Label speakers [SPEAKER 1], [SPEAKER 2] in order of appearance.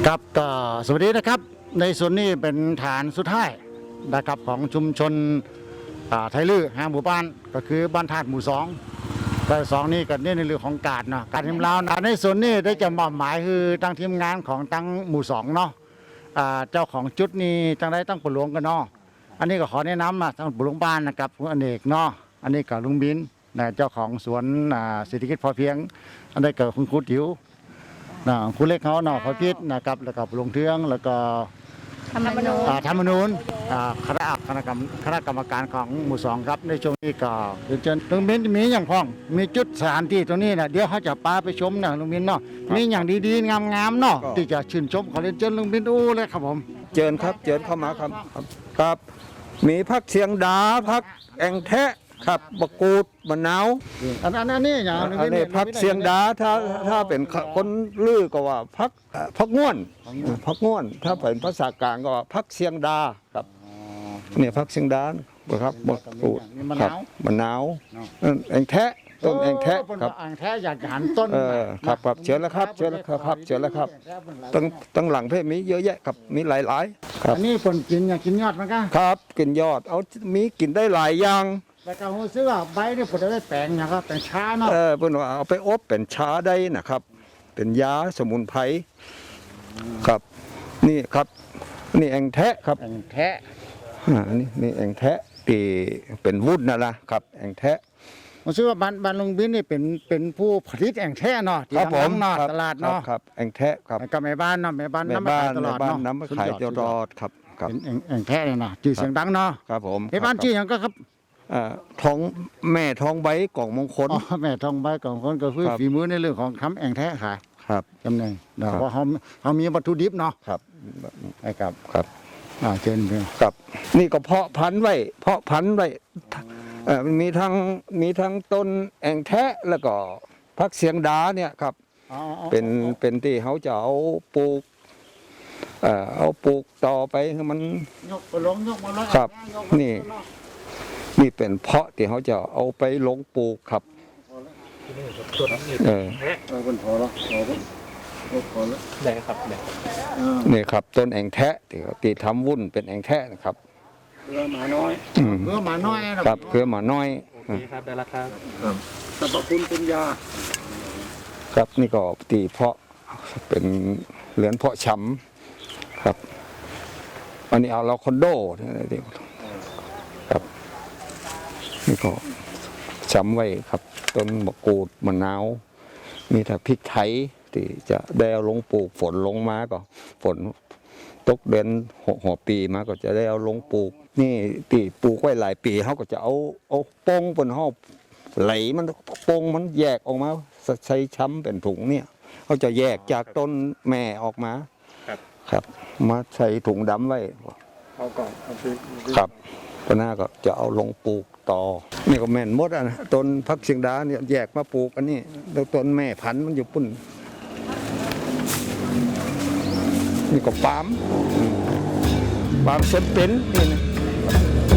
[SPEAKER 1] ครับก็สวัสดีนะครับในส่วนนี้เป็นฐานสุดท้ายนะครับของชุมชนไทยลื้อ5 หมู่บ้านก็คือบ้านธาตุหมู่2แต่2นี่ก็ในเรื่องของการเนาะการทีมเราในส่วนนี้ได้จะมอบหมายคือตั้งทีมงานของตั้งหมู่2เนาะเจ้าของจุดนี้ตั้งได้ตั้งปหลวงกันเนาะอันนี้ก็ขอแนะนำตั้งปหลวงบ้านนะครับคุณอเนกเนาะอันนี้กับลุงบินนะเจ้าของสวนเศรษฐกิจพอเพียงอันนี้กับคุณครูติ๋วคุณเล็กเขาพอพิษนะครับแล้วก็ลงเทืองแล้วก็ธรรมนูญคณะกรรมการของหมู่2ครับในช่วงนี้ก็เชิญลุงบินมีอย่างพ้องมีจุดสถานที่ตรงนี้นะเดี๋ยวเขาจะพาไปชมนะลุงบินเนาะมีอย่างดีๆงามๆเนาะที่จะชื่นชมขอเรียนเชิญลุงบินดูเลยครับผม
[SPEAKER 2] เจิญครับเจิญเข้ามาครับมีพักเสียงดาพักแองแทะครับบะกูดมะนาว
[SPEAKER 1] อันนี้อย่าง
[SPEAKER 2] อันนี้พักเสียงดาถ้าเป็นคนลือก็ว่าพักง่วนถ้าเป็นภาษากลางก็ว่าพักเสียงดาครับเนี่ยพักเสียงดาครับบะกูดครับมะนาวแองแทะต้นแองแทะครับ
[SPEAKER 1] แองแทะอยากหันต้น
[SPEAKER 2] ครับเชิญแล้วครับตั้งหลังเพศมีเยอะแยะครับมีหลายครับ
[SPEAKER 1] อันนี้คนกินอยากกินยอดมันก็
[SPEAKER 2] ครับกินยอดเอามีกินได้หลายอย่าง
[SPEAKER 1] แล้วก็ซื้อว่าใบนี่ผมจะได้แปลงนะครับแต่ช้าเนาะ
[SPEAKER 2] เพิ่นว่าเอาไปอบเป็นชาได้นะครับเป็นยาสมุนไพรครับนี่ครับนี่แองแทะครับ
[SPEAKER 1] แองแทะ
[SPEAKER 2] นี่แองแทะที่เป็นวุ้นนะครับแองแทะ
[SPEAKER 1] ผมซื้อว่าบ้านลุงบินนี่เป็นผู้ผลิตแองแทะเนาะที่ดังเนาะตลาดเนาะ
[SPEAKER 2] ครับแองแทะครับ
[SPEAKER 1] กับแม่บ้านเนาะแม่บ้านน้ำขายตลอดเนาะ
[SPEAKER 2] น้ำขายตลอดครับ
[SPEAKER 1] แองแทะเนี่ยนะชื่อเสียงดังเนาะ
[SPEAKER 2] ครับผม
[SPEAKER 1] แม่บ้านชื่ออย่างก็ครับ
[SPEAKER 2] ท้องแม่ท้องใบกล่องมงคล
[SPEAKER 1] แม่ท้องใบกล่องมงคลก็คือฝีมือในเรื่องของทำแองแทะขาย
[SPEAKER 2] ครับ
[SPEAKER 1] จำเนงเพราะเขามีวัตถุดิบเนาะ
[SPEAKER 2] ครับ
[SPEAKER 1] ครับเชิญ
[SPEAKER 2] ครับนี่ก็เพาะพันธุ์ไว้มีทั้งต้นแองแทะแล้วก็พักเสียงดาเนี่ยครับเป็นที่เขาจะเอาปลูกต่อไปให้มัน
[SPEAKER 1] ยกมาลง
[SPEAKER 2] ครับนี่เป็นเพาะที่เขาจะเอาไปลงปลูกครับ
[SPEAKER 1] เป็นพอแล้ว
[SPEAKER 2] ได้ครับนี่ครับต้นแองแทะที่ทำวุ่นเป็นแองแทะนะครับ
[SPEAKER 1] เครือหมาน้อย
[SPEAKER 2] ครับเครือหมาน้อย
[SPEAKER 3] ครับได้แล้วครับ
[SPEAKER 1] สรรพคุณเป็นยา
[SPEAKER 2] ครับนี่ก็ตีเพาะเป็นเหลือนเพาะช้ำครับอันนี้เอาเราคอนโดครับนี่ก็ช้ำไว้ครับต้นมะกรูดมะนาวมีแต่พริกไทยที่จะได้เอาลงปลูกฝนลงมาก็ฝนตกเดือนหัวปีมาก็จะได้เอาลงปลูกนี่ตีปลูกไว้หลายปีเขาก็จะเอาโป้งบนห้องไหลมันโป้งมันแยกออกมาใช้ช้ำเป็นถุงเนี่ยเขาจะแยกจากต้นแม่ออกมาครับมาใส่ถุงดำไว้
[SPEAKER 1] เอาก่อน
[SPEAKER 2] ครับก็น่าก็จะเอาลงปลูกต่อนี่ก็แม่นหมดนะต้นพักเชียงดาเนี่ยแยกมาปลูกอันนี้แล้วต้นแม่พันธุ์มันอยู่ปุ่นนี่ก็ปาล์มส้นเป็นนี่นะ